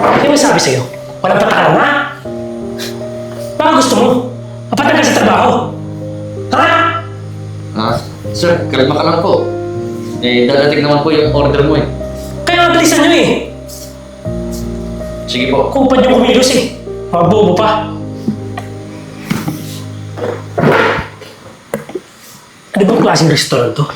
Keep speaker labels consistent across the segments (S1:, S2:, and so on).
S1: Ano ba sabi sa'yo? Walang patakaran, ha? Baka gusto mo? Mapatag ka sa trabaho? Ha?
S2: Sir, kalma ka lang po. Dadating naman po yung order mo eh.
S1: Kaya nga bilisan nyo eh.
S2: Sige po.
S1: Kupad yung kumilos eh. Mga bobo pa. Ano bang klaseng restaurant to?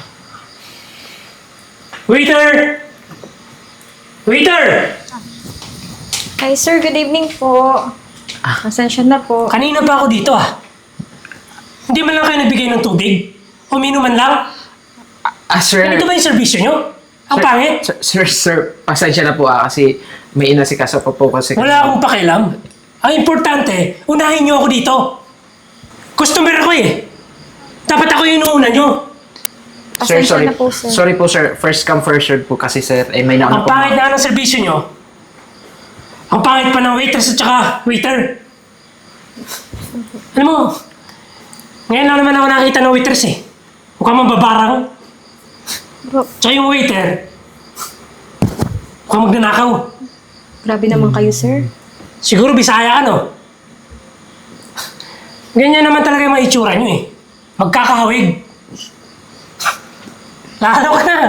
S1: Waiter! Waiter!
S3: Hi sir, good evening po. Pasensya na po.
S1: Kanina pa ako dito ah. Hindi man lang kayo nagbigay ng tubig? Uminom man lang?
S4: Sir.
S1: Ganito ba yung servisyo nyo? Ang pangit?
S4: Sir, pasensya na po kasi may inasikaso pa po kasi.
S1: Wala akong pakialam. Ang importante, unahin nyo ako dito. Customer ako eh. Dapat ako yung inuuna nyo.
S4: Sir,
S3: Pasensya
S4: sorry.
S3: na po, sir.
S4: Sorry po, sir. First come, first serve po kasi, sir. May nauna
S1: Ang
S4: po.
S1: pangit na ng servisyo nyo. Ang pangit pa ng waitress at saka waiter. Alam mo, ngayon lang naman ako nakita ng waitress eh. Mukhang mababarang. Tsaka yung waiter, mukhang magnanakaw.
S3: Grabe naman kayo, sir.
S1: Siguro Bisaya ka, no? Ganyan naman talaga yung mga itsura nyo eh. Magkakahawig. Lalo ka na.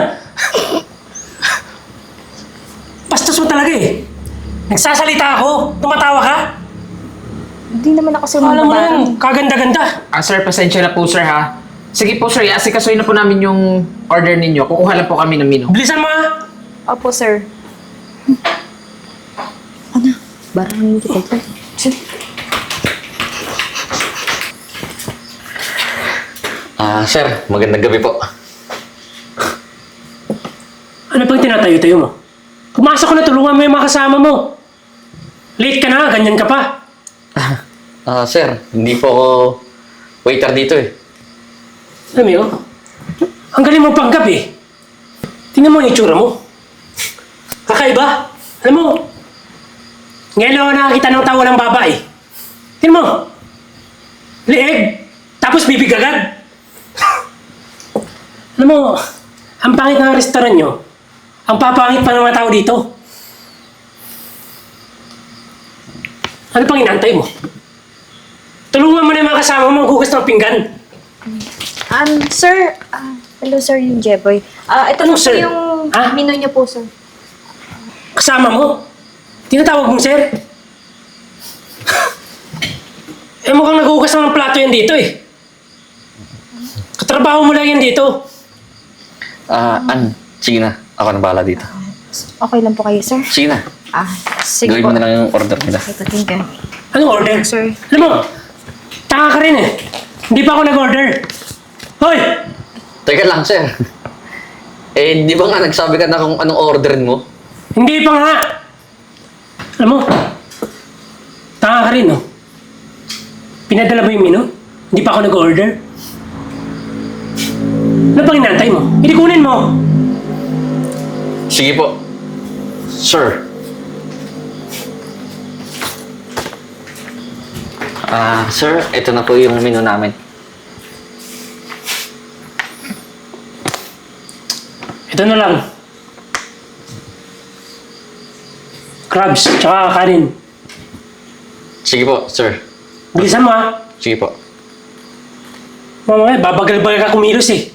S1: Bastos mo talaga eh. Nagsasalita ako, tumatawa ka.
S3: Hindi naman ako sir
S1: Alam mo
S3: mababarang.
S1: lang, kaganda-ganda.
S4: Sir, pasensya na po, sir, ha? Sige po, sir. Asikasuhin na po namin yung order ninyo. Kukuha lang po kami ng menu.
S1: Bilisan mo ha.
S3: Opo, sir. Ano? Barangin kita ito.
S2: Sir, magandang gabi po.
S1: Ano pang tinatayo-tayo mo? Pumasok ko na, tulungan mo yung mga kasama mo. Late ka na, ganyan ka pa.
S2: Sir, hindi po ako waiter dito eh.
S1: Alam mo yun? Ang galing mo panggap eh. Tingnan mo yung itsura mo. Kakaiba. Alam mo, ngayon lang ako nakakita ng tawa ng babae. Tingnan mo. Leeg. Tapos bibig agad. Alam mo, ang pangit ng restaurant nyo. Ang papangit pa ng mga tao dito. Ano pang inantay mo? Tulungan mo na yung mga kasama mo maghugas ng pinggan.
S3: Sir. Hello, sir, yung Jeboy. Ito
S1: Ano,
S3: na po
S1: sir?
S3: yung
S1: Ah?
S3: menu niyo po, sir.
S1: Kasama mo? Tinatawag mong sir? Eh mukhang naghugas ng plato yan dito eh. Katrabaho mo lang yan dito.
S2: Sige na. Ako na bahala dito.
S3: Okay lang po kayo, sir?
S2: Sige na.
S3: Sige
S2: Gawin
S3: po.
S2: mo na lang yung order nila.
S3: Ito, thank you.
S1: Anong order?
S3: Sir.
S1: Alam mo, tanga ka rin eh. Hindi pa ako nag-order. Hoy!
S2: Teka lang, sir. Di ba nga nagsabi ka na kung anong orderin mo?
S1: Hindi pa nga. Alam mo, tanga ka rin oh. Pinadala mo yung menu? Hindi pa ako nag-order? Ano pang inantay mo? Hindi kunin mo.
S2: Sige po. Sir. Sir, ito na po yung menu namin.
S1: Ito na lang. Crabs, tsaka kanin.
S2: Sige po, sir.
S1: Bilisan mo ha.
S2: Sige po.
S1: Mamaya, babagal-bagal ka kumilos eh.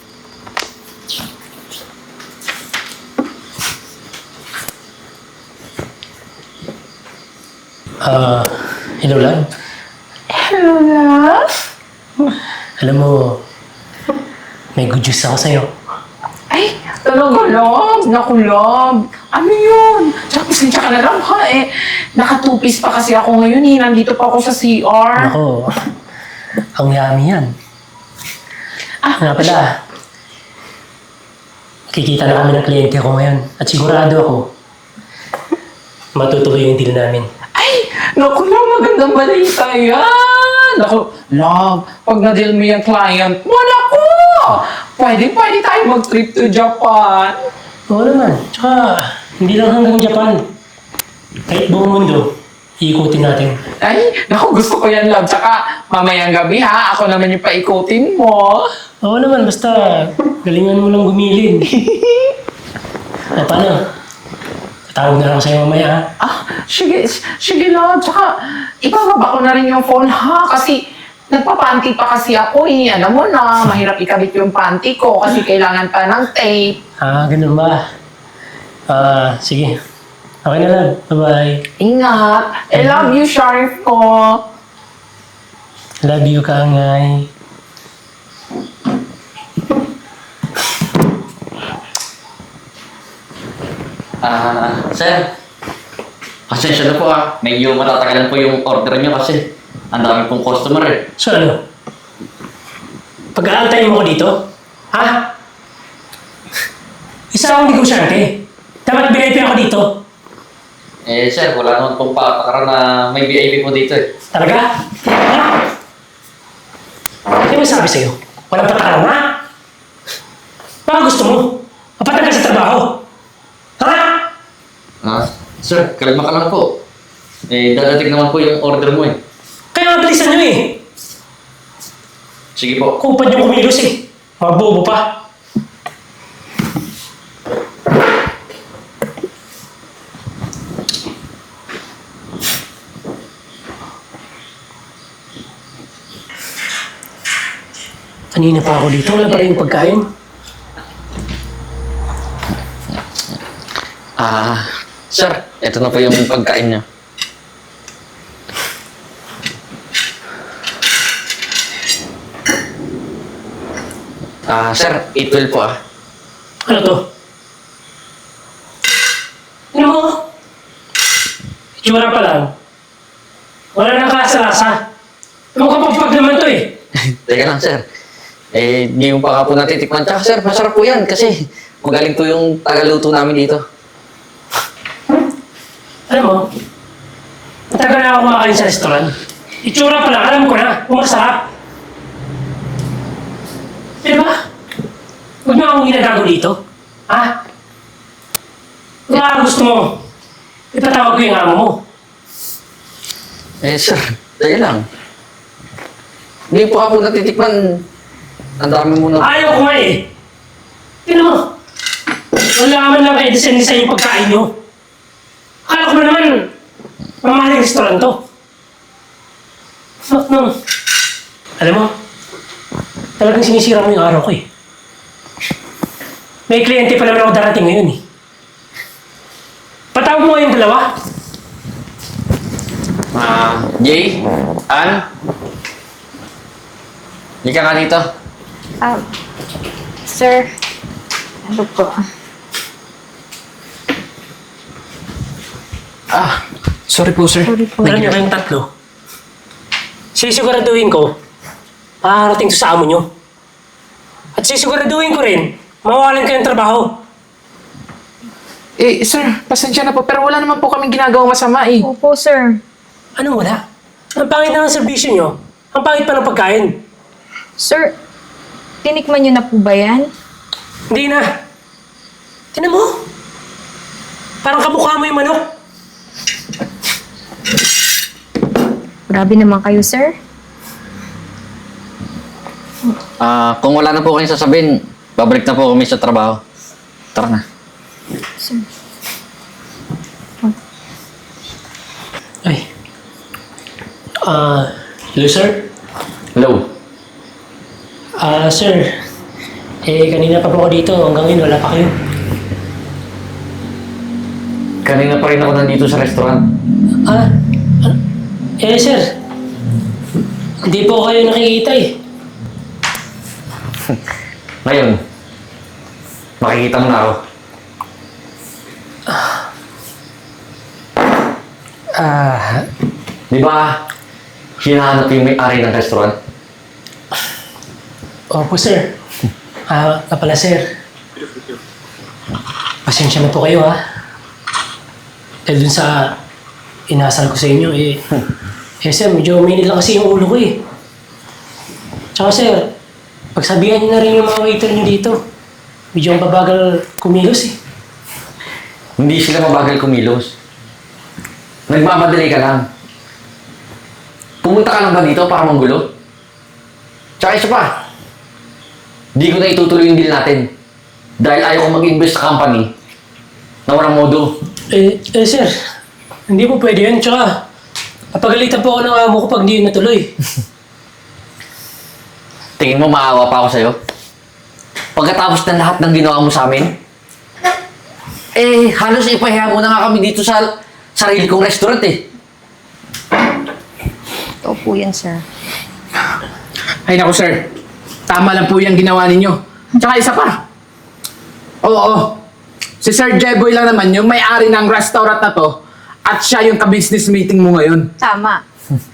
S1: Hello, love.
S5: Hello, love.
S1: Alam mo, may good news ako sa'yo.
S5: Ay, talaga, love. Naku, love. Ano yun? Tsaka pasensya ka na lang, ha, eh. Naka-two-piece pa kasi ako ngayon, eh. Nandito pa ako sa CR.
S1: Ako, ang yummy yan. Nga pala, kikita na kami ng kliyente ko ngayon. At sigurado ako, matutuloy yung deal namin.
S5: Ay, naku, love. Magandang balita yan. Naku, love. Pag na-deal mo yung client mo, naku! Pwede tayo mag-trip to Japan.
S1: Oo naman. Tsaka, hindi lang hanggang Japan. Kahit buong mundo, iikutin natin.
S5: Ay, naku, gusto ko yan, love. Tsaka, mamayang gabi, ha? Ako naman yung paikutin mo.
S1: Oo naman, basta galingan mo lang gumilin. O paano? Patawag na lang ako sa'yo mamaya, ha?
S5: Sige, sige lang. Tsaka, ibababa ko na rin yung phone ha. Kasi, nagpapanty pa kasi ako eh. Alam mo na, mahirap ikabit yung panty ko kasi kailangan pa ng tape.
S1: Ganun ba? Sige. Okay na lang. Bye-bye.
S5: Ingat. I love you, Sharif ko.
S1: Love you, Kangay.
S2: Sir. Pasensya na po medyo matatagalan po yung order niyo kasi ang dami pong customer eh.
S1: So ano? Pag-aantayin mo ko dito? Ha? Isa akong negosyante. Dapat VIP ako dito.
S2: Sir, wala naman pong patakaran na may VIP po dito eh.
S1: Talaga? Ha? Ano sabi sa'yo? Walang patakaran, ha? Baka gusto mo? Mapatag ka sa trabaho. Ha?
S2: Sir, kalma ka lang po. Dadating naman po yung order mo eh.
S1: Kaya mabilisan nyo eh.
S2: Sige po.
S1: Kupad yung kumilos eh. Mga bobo pa. Kanina pa ako dito. Wala pa rin yung pagkain.
S2: Sir, ito na po yung pagkain niya. Sir, 812 po
S1: Ano to? Ano mo? Itsura pa lang. Wala nang kasa-lasa. Mukhang pagpag naman to eh.
S2: Teka lang, sir. Di mo pa ka po natitikman. Tsaka, sir, masarap po yan kasi magaling po yung tagaluto namin dito.
S1: Alam mo, matagal na ako kumakain sa restaurant. Itsura pa lang, alam ko na, kung masarap. Di ba? Huwag mo akong ginagago dito. Ha? Kung nga gusto mo, ipatawag ko yung amo mo.
S2: Sir, teka lang. Hindi po ako natitikman. Ang dami mo na...
S1: Ayaw ko nga eh. Tignan mo. Wala man lang kayo design yung pagkain nyo. Akala ko na naman, mamahaling restaurant to. No. Alam mo, talagang sinisira mo yung araw ko eh. May kliyente pa naman ako darating ngayon eh. Patawag mo yung dalawa.
S2: Jay? Ann? Hindi ka nga dito.
S3: Sir, ano po?
S4: Sorry po, sir.
S3: Sorry po.
S1: Alam niyo kayong tatlo. Sisiguraduhin ko, makakarating to sa amo nyo. At sisiguraduhin ko rin, mawawalan kayong trabaho.
S4: Sir, pasensya na po, pero wala naman po kaming ginagawang masama eh.
S3: Opo, sir.
S1: Anong wala? Ang pangit na ng serbisyo nyo. Ang pangit pa ng pagkain.
S3: Sir, tinikman niyo na po ba yan?
S1: Hindi na. Tinan mo. Parang kamukha mo yung manok.
S3: Grabe naman kayo, sir.
S2: Kung wala na po kayong sasabihin, babalik na po kami sa trabaho. Tara na.
S3: Sir.
S1: Ay. Hello, sir?
S2: Hello.
S1: Sir. Kanina pa po ako dito. Hanggang ngayon, wala pa kayo.
S2: Kanina pa rin ako nandito sa restaurant.
S1: Sir. Hindi po kayo nakikita eh.
S2: Ngayon, makikita mo na ako. Di ba, hinahanap yung may-ari ng restaurant?
S1: Opo, sir. Pala, sir. Pasensya na po kayo, ha? Dahil dun sa inasal ko sa inyo, sir, medyo mainit lang kasi yung ulo ko, eh. Tsaka, sir, pagsabihan niyo na rin yung mga waiter niyo dito. Medyo ang babagal kumilos, eh.
S2: Hindi sila mabagal kumilos. Nagmamadali ka lang. Pumunta ka lang ba dito para manggulo? Tsaka isa pa, di ko na itutuloy yung deal natin. Dahil ayaw ko mag-invest sa company na walang modo.
S1: Sir, hindi po pwede yan. Tsaka, papagalitan po ako ng amo ko pag hindi yun natuloy.
S2: Tingin mo maawa pa ako sa'yo? Pagkatapos ng lahat ng ginawa mo sa amin? Halos ipahiya mo na nga kami dito sa sarili kong restaurant eh.
S3: Ito po yan, sir.
S4: Ay naku sir, tama lang po yung ginawa ninyo. Tsaka isa pa. Oo, si Sir Jeboy lang naman yung may-ari ng restaurant na to at siya yung ka-business meeting mo ngayon.
S3: Tama.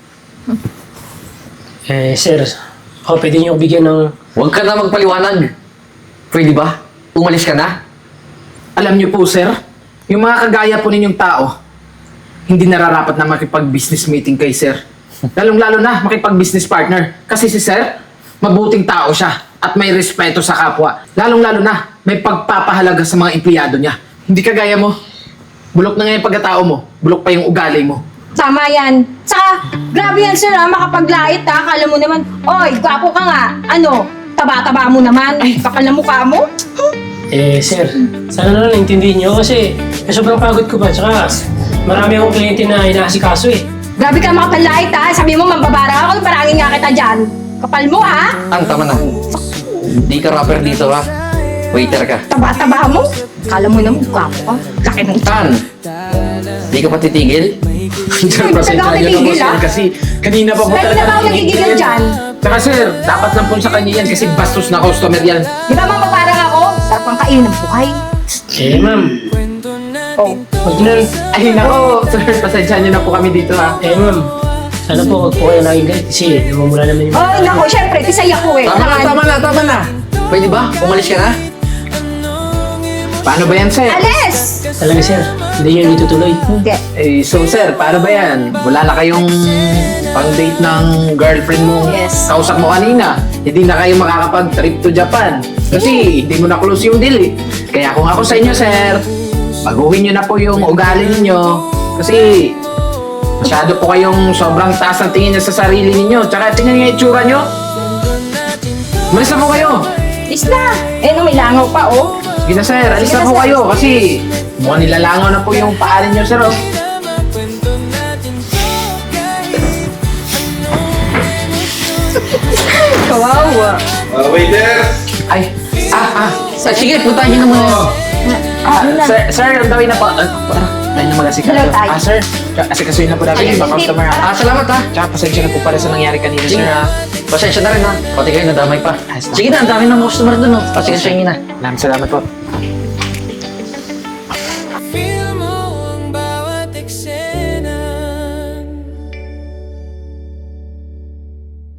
S1: Sir, ako pwede niyo bigyan ng...
S2: Huwag ka na magpaliwanag. Pwede ba? Umalis ka na?
S4: Alam niyo po sir, yung mga kagaya po ninyong tao, hindi nararapat na makipag-business meeting kay sir. Lalong-lalo na makipag-business partner. Kasi si sir, mabuting tao siya at may respeto sa kapwa. Lalong-lalo na may pagpapahalaga sa mga empleyado niya. Hindi kagaya mo. Bulok na nga yung pagkatao mo, bulok pa yung ugali mo.
S3: Tama yan. Saka, grabe yan, sir, ha? Makapaglait, ha? Akala mo naman, oy, gwapo ka nga. Ano, taba-taba mo naman. Ay, kapal na mukha mo.
S1: Sir, sana na lang naintindihin niyo kasi sobrang pagod ko pa. Tsaka, marami akong kliyente na inaasikaso eh.
S3: Grabe ka makapaglait, ha? Sabi mo, mambabara ako, parangin nga kita dyan. Kapal mo, ha?
S2: Tama na. Hindi ka rapper dito ha. Waiter ka.
S3: Taba-taba mo. Akala mo naman, gwapo ka. Laki ng
S2: Tan! Hindi ka pa titigil?
S4: Sir, pasensya niyo na po sir kasi kanina pa po
S3: Pwede na ba ako nagigigil dyan?
S4: Tsaka sir, dapat lang po sa kanya yan kasi bastos na customer yan.
S3: Di ba mambabarang ako? Sarap ang kainin ng buhay.
S1: Ma'am.
S3: Oh.
S1: Huwag na.
S4: Ay nako, sir, pasensya niyo na po kami dito ha.
S1: Ma'am. Sana po huwag po kayo naging galit kasi namumula naman yung...
S3: Ay, nako, syempre, tisay ako eh.
S4: Tama na.
S2: Pwede ba? Umalis ka na?
S4: Paano ba yan sir?
S3: Alis!
S1: Talaga sir, hindi yun itutuloy.
S3: Hindi.
S4: So sir, paano ba yan? Wala na kayong pang-date ng girlfriend mo.
S3: Yes.
S4: Kausap mo kanina. Hindi na kayo makakapag-trip to Japan. Kasi hindi mo na-close yung deal eh. Kaya kung ako sa inyo sir, baguhin nyo na po yung ugali ninyo. Kasi masyado po kayong sobrang taas ng tingin nyo sa sarili ninyo. Tsaka tingnan nyo yung itsura nyo. Malis na po kayo.
S3: Is na. No, may langaw pa, oh.
S4: Sige na sir, alis
S3: Sige
S4: na
S3: na,
S4: po
S3: sir.
S4: kayo kasi mukhang nilalangaw na po yung paarin nyo sir oh.
S3: Kawawa.
S6: Waiter!
S2: Ay! Sige, puntahan niyo na muna.
S4: Sir, ang gawin na po. Tayo na mag-asikaso.
S3: Hello, tayo.
S4: Sir, asikasuhin na po namin yung mga customer ha.
S2: Salamat ha.
S4: Tsaka pasensya na po para sa nangyari kanina sir ha.
S2: Pasensya na rin ha. Pati kayo nadamay pa.
S4: Ayos lang.
S2: Sige na, ang dami ng customer dun oh. Pasensya nyo na.
S4: Salamat po.